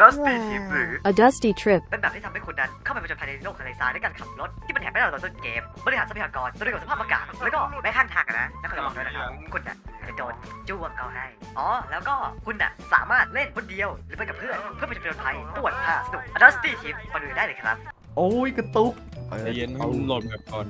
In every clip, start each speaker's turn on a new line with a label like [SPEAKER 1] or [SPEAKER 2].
[SPEAKER 1] Dusty Trip หรือ
[SPEAKER 2] A dusty trip.
[SPEAKER 1] เป็นแบบที่ทำให้คุณนั้นเข้าไปผจญภัยในโลกทะเลทรายด้วยการขับรถที่มันแหกไม่ได้ตอนต้นเกมบริหารทรัพยากรตัวเรื่องของสภาพอากาศแล้วก็แม้ข้างทางนะแล้วก็ระวังด้วยนะครับคุณน่ะจะโดนจ้วงเขาให้แล้วก็คุณน่ะสามารถเล่นคนเดียวหรือไปกับเพื่อนเพื่อไปผจญภัยตรวจหาสนุก Dusty Trip มาดูได้เลยครับ
[SPEAKER 3] โอ้ยกระตุก
[SPEAKER 4] ใจเย็นให้มันโหลดแบบก่อน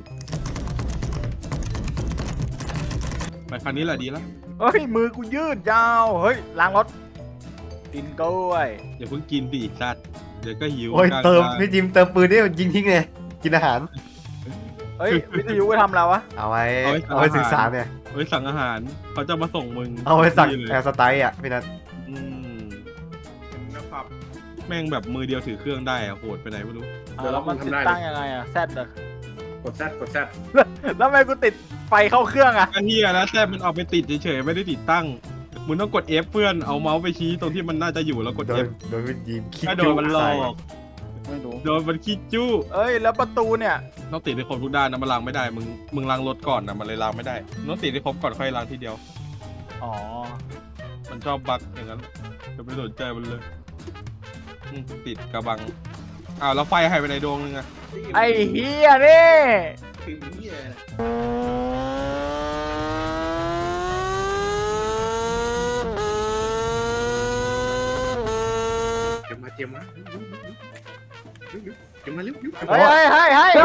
[SPEAKER 4] ไปคันนี้แหละดีแล้ว
[SPEAKER 5] เฮ้ยมือกูยืดยาวเฮ้ยล้างรถกินกล้วย
[SPEAKER 4] อย่าเพิ่งกินดิสัตว์เดี๋ยวก็หิว
[SPEAKER 3] โอ้ย
[SPEAKER 4] กลาง
[SPEAKER 3] เติม
[SPEAKER 4] ทาง
[SPEAKER 3] พี่จิมเติมปืนได้ยิงทิ้งเลยกินอาหาร
[SPEAKER 5] เฮ้ยวิทยุไปทำแล้ววะ
[SPEAKER 3] เอาไว้ศึกษาเนี่ย
[SPEAKER 4] ไว้สั่งอาหารเขาจะมาส่งมึง
[SPEAKER 3] เอาไว้สั่ง
[SPEAKER 4] ที่เลย
[SPEAKER 3] แอร์สไตล์อ่ะพี่นัท
[SPEAKER 4] อืมนะครับแม่งแบบมือเดียวถือเครื่องได้อะโหดไปไหนไม่รู้
[SPEAKER 5] แล้วมันติดตั้งยังไงอะแซดอะ
[SPEAKER 6] กดแซดกดแซด
[SPEAKER 5] แล้วทำไมกูติดไฟเข้าเครื่องอะ
[SPEAKER 4] ก็เฮียแล้วแต่มันเอาไปติดเฉยๆไม่ได้ติดตั้งมึงต้องกด F เพื่อนเอาเมาส์ไปชี้ตรงที่มันน่าจะอยู่แล้วกด
[SPEAKER 3] โด
[SPEAKER 4] F
[SPEAKER 3] นพี่จิมคิด
[SPEAKER 4] ถ้าโดนมันหลอก
[SPEAKER 5] ไม่รู้
[SPEAKER 4] โดนมันขี้จู้
[SPEAKER 5] เอ้ยแล้วประตูเนี่ย
[SPEAKER 4] ต้องติดให้ครบทุกด้านนะมันล้างไม่ได้มึงล้างรถก่อนนะมันเลยล้างไม่ได้ต้องติดให้ครบก่อนค่อยล้างทีเดียว
[SPEAKER 5] อ๋อ
[SPEAKER 4] มันชอบบั๊กอย่างนั้นจะไม่สนใจมันเลยติดกระบังอ้าวแล้วไฟหายไปไหนดวงนึงอะ
[SPEAKER 5] ไอ้เฮียนี่
[SPEAKER 6] คือเหี้ยเจียมมาเจียมมาเจียมมาเร็วเร็ว
[SPEAKER 5] เฮ้ยเฮ้ยเฮ้ยเฮ้ย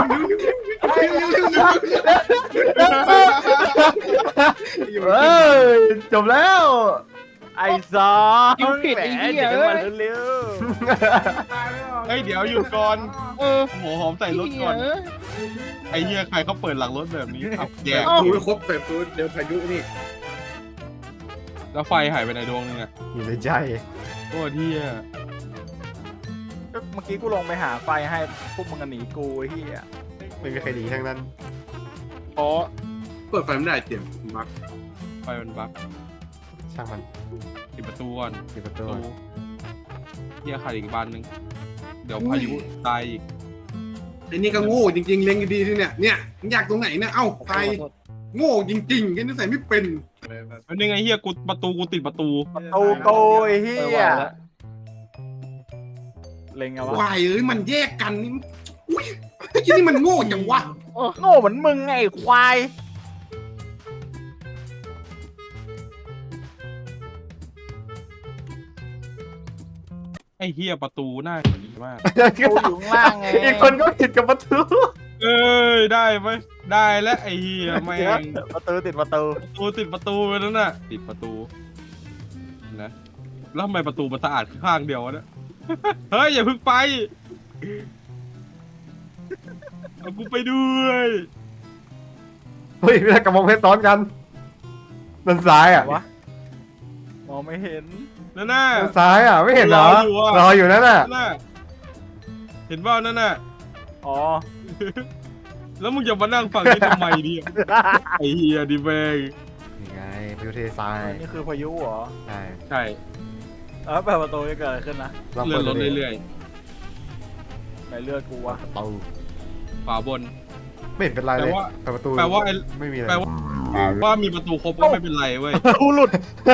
[SPEAKER 3] เอ้ยจบแล้ว
[SPEAKER 5] ไอ้ซอ
[SPEAKER 7] ยิงผิดไอ้เหี้ย
[SPEAKER 5] เดี๋ยว
[SPEAKER 7] เอ้
[SPEAKER 5] มาย เร็ว
[SPEAKER 4] เฮ้ยเดี๋ยวหยุดก่อนหัวหอมใส่รถก่อนไอ้เหี้ยใครเขาเปิดหลังรถแบบนี้อับแย่
[SPEAKER 6] ดูไม่ครบเปิดตัวเดี๋ยวพายุนี่
[SPEAKER 4] แล้วไฟหายไปไหนดวงนึงอะ
[SPEAKER 3] อยู่ในใจ
[SPEAKER 4] โอ้เหี้ย
[SPEAKER 5] ๆก็เมื่อกี้กูลงไปหาไฟให้พวกมึงกันหนีกูไอ้เฮีย
[SPEAKER 3] ไม่มีใครหนีทั้งนั้น
[SPEAKER 4] อ๋อ
[SPEAKER 6] เปิดไฟไม่ได้เจียมบัก
[SPEAKER 4] ไฟมันบั๊ก
[SPEAKER 3] ช่างมัน
[SPEAKER 4] ปิดประตูก่อน
[SPEAKER 3] ปิดประตู
[SPEAKER 4] เหี้ยขาดอีกบานนึงเดี๋ยวพายุตายอีก
[SPEAKER 6] ไอ้นี่ก็โง่จริงๆเล็งดีๆที่เนี่ยมันอยากตรงไหนเนี่ยเอ้าไฟโง่จริงๆแกนี่ใส่ไม่เป็น
[SPEAKER 4] แล้วนี่ไงเหี้ยกูประตูกูติดประตู
[SPEAKER 5] ตูโกไอ้เฮียเล็งเอาวะ
[SPEAKER 6] วายเอ้ยมันแยกกันนี่อุ้ยไอ้ที่นี่มันโง่จังวะ
[SPEAKER 5] โง่เหมือนมึงไงไอ้ควาย
[SPEAKER 4] ไอ้เหี้ยประตูน่าดีมาก
[SPEAKER 5] กูอยู่ข้างล่างไง
[SPEAKER 3] อีกคนก็ผิดกับประตู
[SPEAKER 4] เอ้ยได้ไหมได้แล้วไอ้เหี้ยแม่ง
[SPEAKER 5] ประตูติดประตู
[SPEAKER 4] ประตูติดประตูไปแล้วน่ะติดประตูนะแล้วทำไมประตูมันสะอาดข้างเดียววะเนี่ย เฮ้ยอย่าเพิ่งไปเอากูไปด้วย
[SPEAKER 3] เฮ้ยพี่นัทกับมองเพชรซ้อนกันด้านซ้ายอ่ะ
[SPEAKER 5] วะมองไม่เห็น
[SPEAKER 4] นั่นน่ะ
[SPEAKER 3] ด้านซ้ายอ่ะไม่เห็นเหรอ
[SPEAKER 4] รออยู่อะ
[SPEAKER 3] รออยู่นั่นน่ะ
[SPEAKER 4] นั่นน่ะเห็นว่านั่นน่ะ
[SPEAKER 5] อ๋อ
[SPEAKER 4] แล้วมึงจะมานั่งฟังนี่ทำไมเนี่ยไอ้เหี้ยดิแม่ง
[SPEAKER 3] นี่ไงพายุเททราย
[SPEAKER 5] นี่คือพายุเหรอ
[SPEAKER 3] ใช่
[SPEAKER 4] ใช่
[SPEAKER 5] เปิดประตูจะเกิดอะไรขึ้นนะ
[SPEAKER 3] ลอง
[SPEAKER 4] เลื่
[SPEAKER 3] เปิ
[SPEAKER 4] อ
[SPEAKER 3] ด
[SPEAKER 4] นรถ
[SPEAKER 3] ดูดิ
[SPEAKER 4] เรื่อย
[SPEAKER 5] ในเลือดกูวะ
[SPEAKER 3] ประตู
[SPEAKER 4] ๆขวาบน
[SPEAKER 3] ไม่เห็นเป็นไรเลย
[SPEAKER 4] แปลว่า
[SPEAKER 3] เปิดประตู
[SPEAKER 4] แปลว่าไอ้
[SPEAKER 3] ไม่มีอะไร
[SPEAKER 4] แปลว่ามีประตูครบก็ไม่เป็นไรเว้ย
[SPEAKER 5] กูหลุด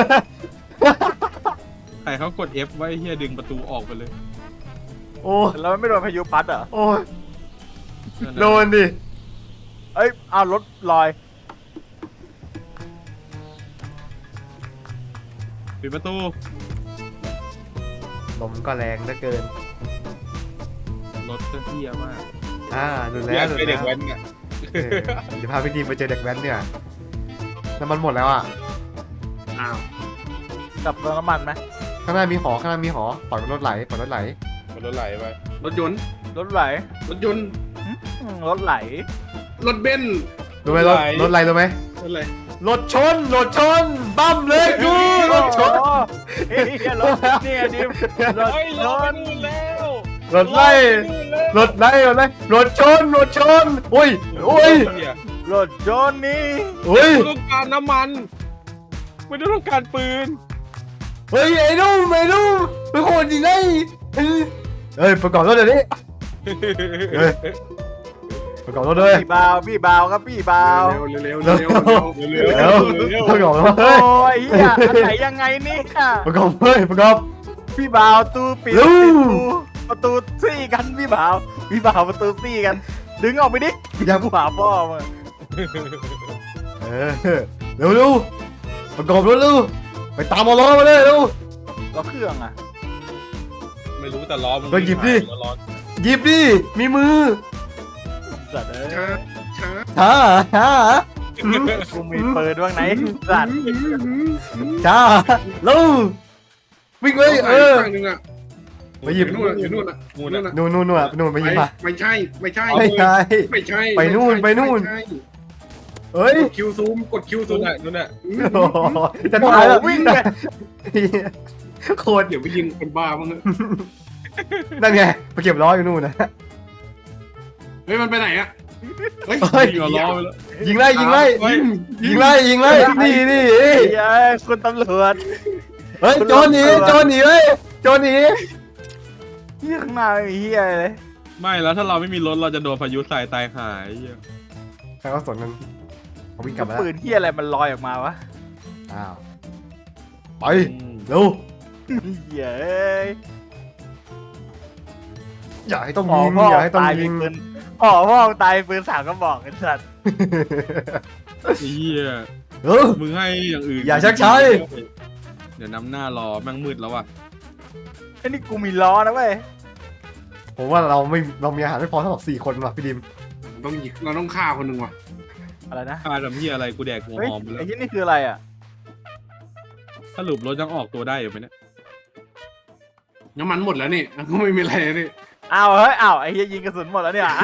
[SPEAKER 4] ใครเขากด F ไว้เฮียดึงประตูออกไปเลย
[SPEAKER 3] โอ้
[SPEAKER 5] แล้วไม่โดนพายุพัดเหรอ
[SPEAKER 3] โอ้ย
[SPEAKER 4] นั่นน่ะ
[SPEAKER 3] โดนดิ
[SPEAKER 5] เอ้ยเอารถลอย
[SPEAKER 4] ปิดประตู
[SPEAKER 3] ลมก็แรงเหลือเกิน
[SPEAKER 4] รถก็เฮียมาก
[SPEAKER 3] ดู
[SPEAKER 4] อ
[SPEAKER 3] แล้
[SPEAKER 4] ยาว ก
[SPEAKER 3] ดู
[SPEAKER 4] ไปเด็
[SPEAKER 3] แล้
[SPEAKER 4] ก
[SPEAKER 3] ว
[SPEAKER 4] แว้นเนี่ย
[SPEAKER 3] เดี๋ยวพาพี่ดีมไปเจอเด็กแว้นเนี่ยน้ำมันหมดแล้วอ่ะ
[SPEAKER 6] อ้าว
[SPEAKER 5] กลับเติมน้ำมันไหม
[SPEAKER 3] ข้างหน้ามีหอข้างหน้ามีหอปล่อยรถไหลปล่อยรถไหล
[SPEAKER 4] มันรถไหลไป
[SPEAKER 6] รถยนต์
[SPEAKER 5] รถไหล
[SPEAKER 6] รถยนต์
[SPEAKER 5] รถไหล
[SPEAKER 6] รถเบนซ์
[SPEAKER 3] รู้ไหมรถอะไรรู้ไหม
[SPEAKER 6] รถอะไร
[SPEAKER 3] รถชนบั้มเลยกูรถชน
[SPEAKER 5] เฮ้ยรถเนี่ยดิมรถ
[SPEAKER 4] เฮ้ย
[SPEAKER 5] ช
[SPEAKER 4] รถ
[SPEAKER 5] น
[SPEAKER 4] นู่นแล้ว
[SPEAKER 3] รถไล่รถไล่รถชนอุ้ย
[SPEAKER 4] เหี้ย
[SPEAKER 5] รถชนนี่
[SPEAKER 3] อุ้ย
[SPEAKER 4] ไม่ต้องการน้ำมันไม่ได้ต้องการปืน
[SPEAKER 3] เฮ้ยไอ้นุ่มเป็นคนจริงไงเฮ้ยประกอบรถเดี๋ยวนี้เฮ้ยประกอบรถเลย
[SPEAKER 5] พี่บาวครับพี่บาว
[SPEAKER 6] เร็วๆเร็วๆเร็วๆเร็วๆ
[SPEAKER 3] เร็วประกอบรถ
[SPEAKER 5] โอ้
[SPEAKER 3] เฮ้ย
[SPEAKER 5] ยเฮียอันไหนยังไงเนี่ย
[SPEAKER 3] ประกอบเฮ้ยประกอบ
[SPEAKER 5] พี่บ่าวตู้ปิด
[SPEAKER 3] ลู
[SPEAKER 5] ปิดประตูซี่กันพี่บ่าวประตูซี่กัน ดึงออกไปดิ
[SPEAKER 3] อย่า
[SPEAKER 5] กูหาพ่อมา
[SPEAKER 3] เออเร็วเร็วประกอบรถเร็วไปตามมาล้อมาเลยเร็ว
[SPEAKER 5] แล้วเครื่องอ่ะ
[SPEAKER 4] ไม่รู้แต่ล้อมัน
[SPEAKER 3] ก็หยิบดิ
[SPEAKER 4] ล้อ
[SPEAKER 3] หยิบดิมีมือ
[SPEAKER 5] สัตว์เอ้ย
[SPEAKER 6] ช้า
[SPEAKER 3] ช้า
[SPEAKER 5] กูมีปืนบ้างไหนสัตว์
[SPEAKER 3] ช้าเร็ววิ่งไปเออ
[SPEAKER 6] ฝั่งนึงอ่ะ
[SPEAKER 3] ไปหยิบ
[SPEAKER 6] นู่นอ่ะอยู่นู่นอ่ะ
[SPEAKER 4] งูน่ะ
[SPEAKER 3] นู่นนู่นไปหยิบมา
[SPEAKER 6] ไม่ใช่ไม่ใช่
[SPEAKER 3] ไม่ใช่
[SPEAKER 6] ไม่ใช่
[SPEAKER 3] ไปนู่นไปนู่น
[SPEAKER 6] ไม่ใช่
[SPEAKER 3] เฮ้ย
[SPEAKER 6] กดคิวซูมกดคิวซู
[SPEAKER 4] นู่
[SPEAKER 6] ม
[SPEAKER 4] นน่ะ
[SPEAKER 3] โอ้โหจะตายแล้ว
[SPEAKER 5] วิ่งเลย
[SPEAKER 3] โคตร
[SPEAKER 6] เดี๋ยวไปยิงคนบ้ามั้ง
[SPEAKER 3] นั่นไงไปเก็บล้ออยู่นู่นนะ
[SPEAKER 6] เฮ้ยมันไปไหนอ่ะเฮ้ย
[SPEAKER 3] เฮ้ย
[SPEAKER 4] ยิงเอาล้อไปแล้ว
[SPEAKER 3] ยิงไล่ยิงไล่
[SPEAKER 4] เฮ้ย
[SPEAKER 3] ยิงไล่ยิงไล่นี่นี่
[SPEAKER 5] เฮ้ยคุณตำรวจ
[SPEAKER 3] เฮ้ยโจรหนีโจรหนีเฮ้ยโจรหนี
[SPEAKER 5] เฮียข้างหน้าไม่มีเฮียอะไรเลย
[SPEAKER 4] ไม่แล้วถ้าเราไม่มีรถเราจะโดนพายุทรายตายหายเหี้ย
[SPEAKER 3] ใครก็สนมันเขาวิ่งกลับมาแล้ว
[SPEAKER 5] ปืนเฮียอะไรมันลอยออกมาวะ
[SPEAKER 3] อ้าวไปเร็ว
[SPEAKER 5] เฮียเอ้ย
[SPEAKER 3] อย่าให้ต้อง
[SPEAKER 5] พ่อ
[SPEAKER 3] ยิง
[SPEAKER 5] พ่อ
[SPEAKER 3] อย่าให้ต้อง
[SPEAKER 5] ตาย
[SPEAKER 3] ยิ
[SPEAKER 5] เป็น
[SPEAKER 3] ง
[SPEAKER 5] ปืนพ่อตายเป็นปืน3 กระบอกไอ้สัตว์
[SPEAKER 4] ไอ้เหี้ย
[SPEAKER 3] เออ
[SPEAKER 4] มึงให้อย่างอื่น
[SPEAKER 3] อย่าชักช้าดิ
[SPEAKER 4] เดี๋ยวนำหน้ารอแม่งมืดแล้วว่ะ
[SPEAKER 5] ไอ้นี่กูมีล้อนะเว้ย
[SPEAKER 3] ผมว่าเรามีอาหารไม่พอสำหรับ4 คนว่ะพี่ดิม
[SPEAKER 6] ต้องยิงเราต้องฆ่าคนหนึ่งว่ะ
[SPEAKER 5] อะไรนะ
[SPEAKER 4] ฆ่าทำเหี้ยอะไรกูแดกหัว
[SPEAKER 5] เฮ้ย
[SPEAKER 4] หอมไปแล้
[SPEAKER 5] ไอ้
[SPEAKER 4] ว
[SPEAKER 5] ที่นี่คืออะไรอ่ะ
[SPEAKER 4] สรุปรถยังออกตัวได้อยู่ไหมเนี่ย
[SPEAKER 6] น้ำมันหมดแล้วนี่ก็ไม่มีอะไรนี่
[SPEAKER 5] อ้าวเฮ้ยอ้าวไอ้เฮียยิงกระสุนหมดแล้วเนี่ย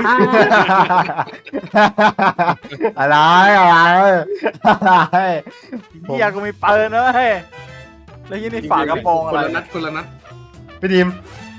[SPEAKER 3] อะไรอะไร
[SPEAKER 5] เฮียกูมีปืนนะเว้ยแล้วที่นี่ฝากระโปรง
[SPEAKER 6] ค
[SPEAKER 5] อะ
[SPEAKER 6] น
[SPEAKER 5] ไร
[SPEAKER 6] ละนัดคนละนัด
[SPEAKER 3] พี่ดิม